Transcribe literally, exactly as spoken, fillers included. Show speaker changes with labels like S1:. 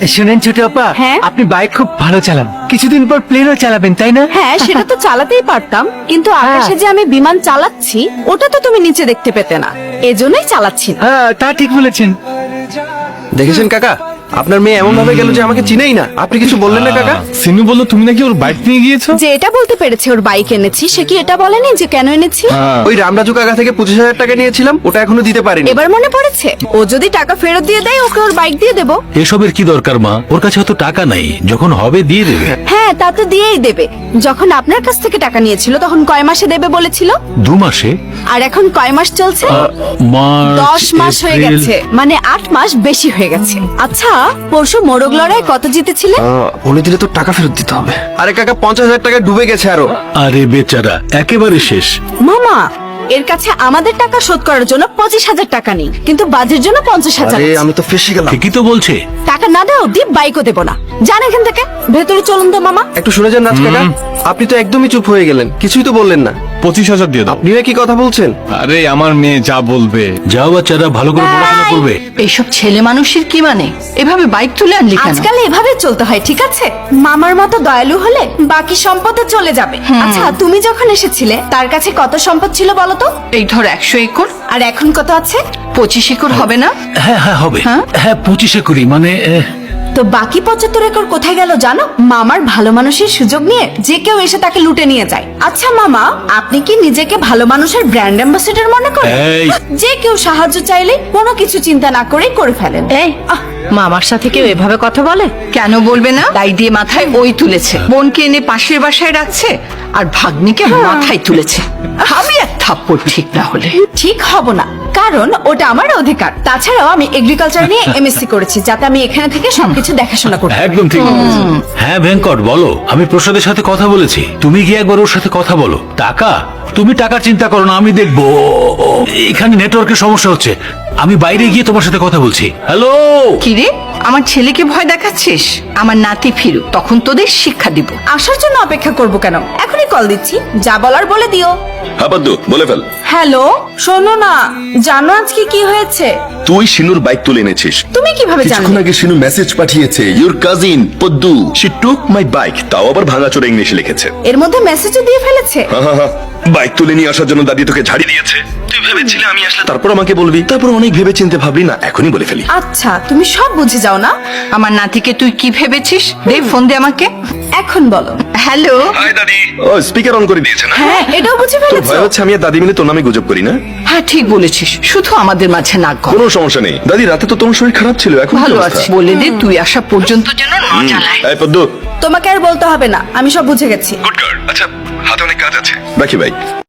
S1: শুনেন ছোট আপা,
S2: হ্যাঁ?
S1: আপনি বাইক খুব ভালো চালান, কিছুদিন পর প্লেনও চালাবেন তাই না?
S2: হ্যাঁ, সেটা তো চালাতেই পারতাম, কিন্তু আকাশে যে আমি বিমান চালাচ্ছি ওটা তো তুমি নিচে দেখতে পেতে না, এজন্যই চালাচ্ছি না।
S1: হ্যাঁ, তা ঠিক বলেছেন।
S3: দেখেছেন কাকা, আপনার মেয়ে এমন ভাবে গেল যে আমাকে চিনেই না। আপনি কিছু বললেন না কাকা?
S4: সিনু বললো তুমি নাকি ওর বাইক নিয়ে গিয়েছো।
S2: যে এটা বলতে পেরেছে ওর বাইক এনেছি, সে কি এটা বলেনি যে কেন এনেছি?
S3: ওই রামরাজু কাকা থেকে পঁচিশ হাজার টাকা নিয়েছিলাম, ওটা এখনো দিতে পারিনি।
S2: এবার মনে পড়েছে, ও যদি টাকা ফেরত দিয়ে দেয় ওকে ওর বাইক দিয়ে দেবো।
S5: এসবের কি দরকার মা, ওর কাছে হয়তো টাকা নাই, যখন হবে দিয়ে দেবে।
S2: হ্যাঁ, তা তো দিয়েই দেবে। যখন আপনার কাছ থেকে টাকা নিয়েছিল তখন কয় মাসে দেবে বলেছিল?
S5: দু মাসে।
S2: আর এখন কয় মাস চলছে?
S5: মার্চ,
S2: দশ মাস হয়ে
S5: এপ্রিল।
S2: গেছে, মানে আট মাস বেশি হয়ে গেছে। আচ্ছা, পরশু মোরগ লড়াই কত জিতেছিলে?
S3: আহ, বলে দিলে তো টাকা ফেরত দিতে হবে। আরে কাকা, পঞ্চাশ হাজার টাকা ডুবে গেছে আরো।
S5: আরে বেচারা, একেবারে শেষ।
S2: মামা, এর কাছে আমাদের টাকা শোধ করার জন্য পঁচিশ হাজার টাকা নেই, কিন্তু বাজের জন্য পঞ্চাশ হাজার
S3: আরে
S2: আছে।
S3: আমি তো ফেসে গেলাম।
S5: ঠিকই তো বলছে।
S2: টাকা না দেওয়া অব্দি বাইকও দেবো না। জান এখান থেকে, ভেতরে চলুন তো মামা।
S3: একটু শুনে যান নাচ কাকা, আপনি তো একদমই চুপ হয়ে গেলেন, কিছুই তো বললেন না।
S4: পঁচিশ হাজার দিয়ে দাও।
S3: আপনিও কি কথা বলছেন?
S4: আরে আমার মেয়ে যা বলবে।
S5: যাও বাচ্চারা, ভালো করে পড়াশোনা করবে।
S6: এইসব ছেলে মানুষের কি মানে? এভাবে বাইক তুলে আনলি কেন?
S2: আজকাল এভাবে চলতে হয়, ঠিক আছে? মামার মতো দয়ালু হলে বাকি সম্পদে চলে যাবে। আচ্ছা, তুমি যখন এসেছিলে তার কাছে কত সম্পদ ছিল বলো তো?
S6: এই ধর একশো একর,
S2: আর এখন কত আছে?
S6: পঁচিশ একর হবে না?
S5: হ্যাঁ হ্যাঁ হবে।
S6: হ্যাঁ?
S5: হ্যাঁ পঁচিশে করি মানে আহ,
S2: তো বাকি পঁচাত্তর একর কোথায় গেল জানো? মামার ভালো মানুষের সুযোগ নিয়ে যে কেউ এসে তাকে লুটে নিয়ে যায়। আচ্ছা মামা, আপনি কি নিজেকে ভালো মানুষের ব্র্যান্ড অ্যাম্বাসেডর মনে করেন?
S5: এই।
S2: যে কেউ সাহায্য চাইলে কোনো কিছু চিন্তা না করেই করে ফেলেন।
S7: এই মামার সাথে কেউ এভাবে কথা বলে?
S6: কেন বলবে না? দাই দিয়ে মাথায় ওই তুলেছে, বোনকে এনে পাশের বাসায় রাখছে, আর ভাগ্নিকে মাথায় তুলেছে। আমি এক থাপ্পড় ঠিক না হলে।
S2: ঠিক হব না, কারণ ওটা আমার অধিকার। তাছাড়াও আমি এগ্রিকালচার নিয়ে এমএসসি করেছি, যাতে আমি এখানে থেকে সবকিছু দেখাশোনা করতে পারি।
S5: একদম ঠিক বলেছো। হ্যাঁ ভেঙ্কট বলো, আমি প্রসাদের সাথে কথা বলেছি, তুমি গিয়ে একবার ওর সাথে কথা বলো। টাকা, তুমি টাকার চিন্তা করো না, আমি দেখবো। এখানে নেটওয়ার্কের সমস্যা হচ্ছে, আমি বাইরে গিয়ে তোমার সাথে কথা বলছি। হ্যালো।
S6: কিরে, আমার ছেলেকে ভয় দেখাচ্ছিস? আমার নাতি ফিরুক, তখন তোদের শিক্ষা দিব।
S2: আসার জন্য অপেক্ষা করব কেন? এখনই কল দিচ্ছি, যা বলার বলে দিও।
S8: হ্যাঁ বদ্দু, বলে ফেল।
S2: হ্যালো, শোনো না, জানো আজকে কি হয়েছে?
S8: তুই শিনুর বাইক তুলে এনেছিস।
S2: তুমি কিভাবে
S8: কিছুক্ষণ
S2: জানলে?
S8: আগে শিনু মেসেজ পাঠিয়েছে, your cousin Paddu she took my bike, তাও আবার ভাঙাচোরা ইংলিশে লিখেছে।
S2: এর মধ্যে মেসেজও দিয়ে ফেলেছে।
S8: হ্যাঁ হ্যাঁ হ্যাঁ, বাইক তুলে নিয়ে আসার জন্য দাদি তোকে ঝাড়ি দিয়েছে। তুই ভেবেছিলি আমি আসলে তারপর আমাকে বলবি, তারপর অনেক ভেবে চিন্তে ভাবলি না, এখনই বলে ফেলি।
S2: আচ্ছা, তুমি সব বুঝে যাও না?
S6: আমার নাতিকে তুই কি ভেবেছিস? দে ফোন দে আমাকে।
S2: এখন বলো।
S6: হ্যালো।
S8: হাই দাদি। ও স্পিকার অন করে দিয়েছে না?
S2: হ্যাঁ, এটাও বুঝে
S8: তোর
S2: ফেলেছো।
S8: ভয় হচ্ছে আমি আর দাদি মিলে তোর নামে গুজব করি না?
S6: হ্যাঁ ঠিক বলেছিস, শুধু আমাদের মাঝে নাক গলাস।
S8: কোনো সমস্যা নেই দাদি, রাতে তো তোমার শরীর খারাপ ছিল, এখন কি
S6: ভালো
S8: অবস্থা?
S6: আছি বলে দে, তুই আসা পর্যন্ত যেন ন জ্বালায়।
S8: এই পদ্দু,
S2: তোমাকে আর বলতে হবে না, আমি সব বুঝে গেছি।
S8: Good girl. আচ্ছা, হাতে অনেক কাজ আছে, রাখি ভাই।